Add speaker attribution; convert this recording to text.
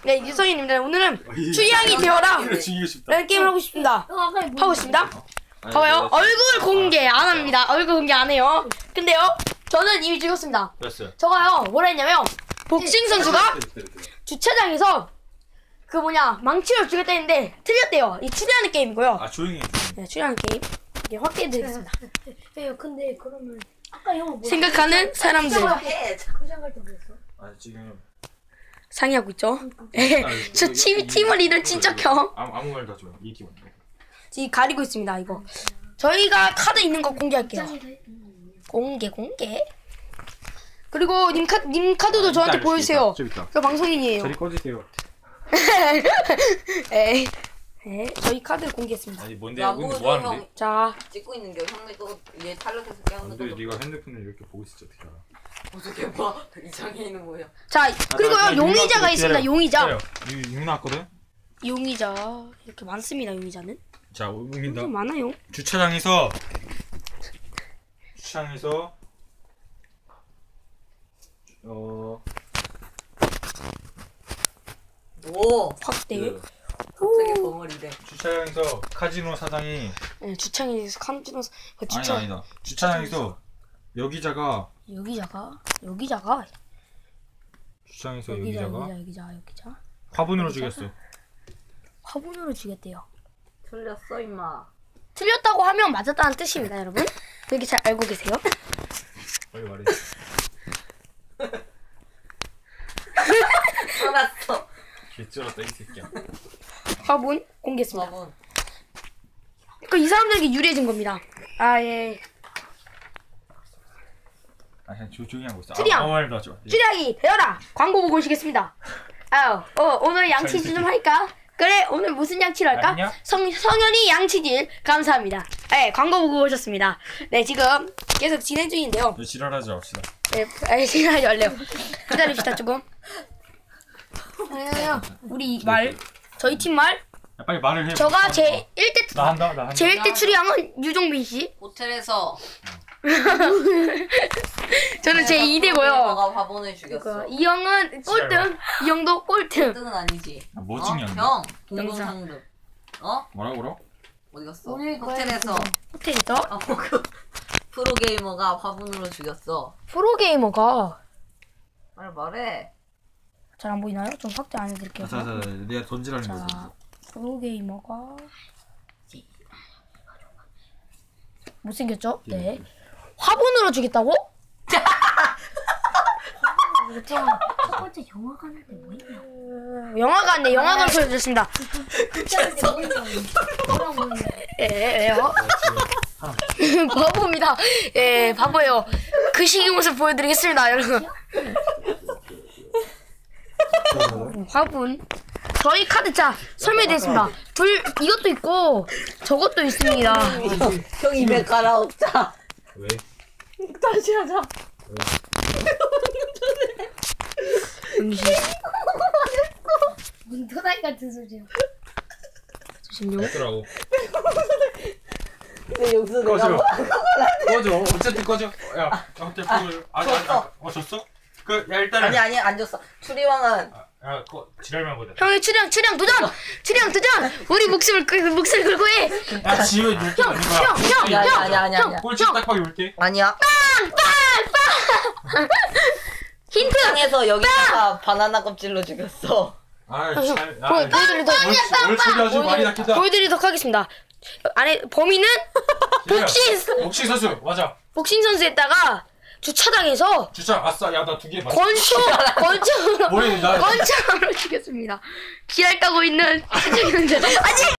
Speaker 1: 네, 유성인입니다. 오늘은 추양이 되어라 라는 게임을 하고 싶습니다. 하고 있습니다. 봐봐요. 얼굴 공개 안 합니다. 얼굴 공개 안 해요. 근데요, 저는 이미 죽였습니다. 저가요, 뭐라 했냐면, 복싱 선수가 주차장에서 그 망치를 죽였다 했는데 틀렸대요. 이 추리하는 게임이고요.
Speaker 2: 아, 조용히 해.
Speaker 1: 네, 추리하는 게임. 이게 확대해드리겠습니다.
Speaker 3: 근데 그러면 아까 영어 뭐야?
Speaker 1: 생각하는 사람들.
Speaker 3: 생각할 때 뭐였어?
Speaker 2: 아, 지금
Speaker 1: 상의하고 있죠. 저 팀을 리더 진짜 켜.
Speaker 2: 아무 말도 하지 마. 이 팀은.
Speaker 1: 지금 가리고 있습니다. 이거 저희가 카드 있는 거 공개할게요. 공개. 그리고 님 카드도 저한테 보여주세요. 저 방송인이에요.
Speaker 2: 저리 꺼주세요.
Speaker 1: 에이, 저희 카드 공개했습니다.
Speaker 2: 아니 뭔데? 근데 뭐 하는데?
Speaker 1: 자,
Speaker 4: 찍고 있는 게 형이 또얘 탈락해서 깨우는
Speaker 2: 근데
Speaker 4: 거.
Speaker 2: 네가 핸드폰을 이렇게 보고 있었지 어떻게 알아?
Speaker 4: 어떻게 봐? 이 장애인은 뭐야?
Speaker 1: 자 그리고요 용의자가 있습니다. 용의자.
Speaker 2: 용 나왔거든?
Speaker 1: 용의자 이렇게 많습니다. 용의자는
Speaker 2: 자, 옮긴다.
Speaker 1: 좀 많아요.
Speaker 2: 주차장에서
Speaker 4: 오!
Speaker 1: 확대.
Speaker 2: 그,
Speaker 4: 갑자기 벙어리래.
Speaker 2: 주차장에서 카지노 사장이
Speaker 1: 네, 주차장에서 칸지노
Speaker 2: 아니다. 주차장에서 여기자가 화분으로 죽였어.
Speaker 1: 화분으로 죽였대요.
Speaker 4: 틀렸어 임마.
Speaker 1: 틀렸다고 하면 맞았다는 뜻입니다, 여러분. 그렇게 잘 알고 계세요?
Speaker 2: 빨리 말해.
Speaker 4: 알았어.
Speaker 2: 개쩔었다 이 새끼야.
Speaker 1: 화분 공개했습니다.
Speaker 4: 화분.
Speaker 1: 그러니까 이 사람들에게 유리해진 겁니다. 아 예.
Speaker 2: 아, 그냥 조용히 하고 있어.
Speaker 1: 추리양.
Speaker 2: 아무 말도 하지 마.
Speaker 1: 쭈량이 되어라. 광고 보고 오시겠습니다. 오늘 양치질 좀 할까? 그래, 오늘 무슨 양치를 할까?
Speaker 2: 아니냐?
Speaker 1: 성현이 양치질 감사합니다. 네, 광고 보고 오셨습니다. 네, 지금 계속 진행 중인데요.
Speaker 2: 너 지랄하지 맙시다.
Speaker 1: 네, 지랄하지 말래요. 기다립시다 조금. 우리 말, 저희 팀 말.
Speaker 2: 야, 빨리 말을 해.
Speaker 1: 저가 제 1대
Speaker 2: 나 한다.
Speaker 1: 제 1대 추리양은 유종빈 씨.
Speaker 4: 호텔에서
Speaker 1: 저는 제 2대고요.
Speaker 4: 너가 화분을 죽였어.
Speaker 1: 이 형은 꼴등. 이 형도 꼴등.
Speaker 4: 1등은 아니지.
Speaker 2: 뭐 찍냐?
Speaker 4: 형! 동동상등.
Speaker 2: 뭐라고?
Speaker 4: 어디 갔어?
Speaker 3: 우리
Speaker 4: 호텔에서
Speaker 1: 호텔에서
Speaker 4: 프로게이머가 화분으로 죽였어.
Speaker 1: 프로게이머가
Speaker 4: 빨리 말해.
Speaker 1: 잘 안 보이나요? 좀 확대 안 해드릴게요.
Speaker 2: 자, 내가 던지라는
Speaker 1: 자,
Speaker 2: 거지.
Speaker 1: 프로게이머가 못생겼죠? 네. 화분으로 죽였다고?
Speaker 3: 첫 번째 영화 가는데 뭐 있냐?
Speaker 1: 영화관, 영화관 보여드렸습니다. 예요. 바보입니다. 예, 바보예요. 그 시기 모습 보여드리겠습니다, 여러분. 화분. 저희 카드 자 설명드리겠습니다. 이것도 있고 저것도 있습니다.
Speaker 4: 형 입에 갈아엎자.
Speaker 2: 왜?
Speaker 4: 다시 하자.
Speaker 3: 문도다이 같은 소리야.
Speaker 1: 조심요.
Speaker 2: 어쩌라고?
Speaker 4: 내 용서
Speaker 2: 꺼져.
Speaker 4: 내가
Speaker 2: 꺼져. 어쨌든 꺼져. 야, 호텔 프로. 졌어? 야 일단은.
Speaker 4: 아니 안 줬어. 추리왕은
Speaker 2: 야, 지랄만 보자.
Speaker 1: 형이 추량 도전! 추량 도전! 우리 목숨을 걸고 해!
Speaker 2: 야, 지효 놀게 아닌 거야.
Speaker 4: 아니야.
Speaker 2: 꼴찌 딱 하게 올게.
Speaker 4: 아니야.
Speaker 1: 힌트!
Speaker 4: 땅에서 여기다가 바나나 껍질로 죽였어.
Speaker 1: 보여드리도록
Speaker 2: 뭘 처리하지 말이 낫겠다.
Speaker 1: 보여드리도록 하겠습니다. 안에 범인은
Speaker 2: 복싱 선수 맞아.
Speaker 1: 복싱 선수에다가 주차장에서
Speaker 2: 주차 아싸. 야, 나 2개 맞아.
Speaker 1: 권총으로
Speaker 2: 머리 나.
Speaker 1: 권총으로 죽였습니다. 기랄 까고 있는 주차장인데 아직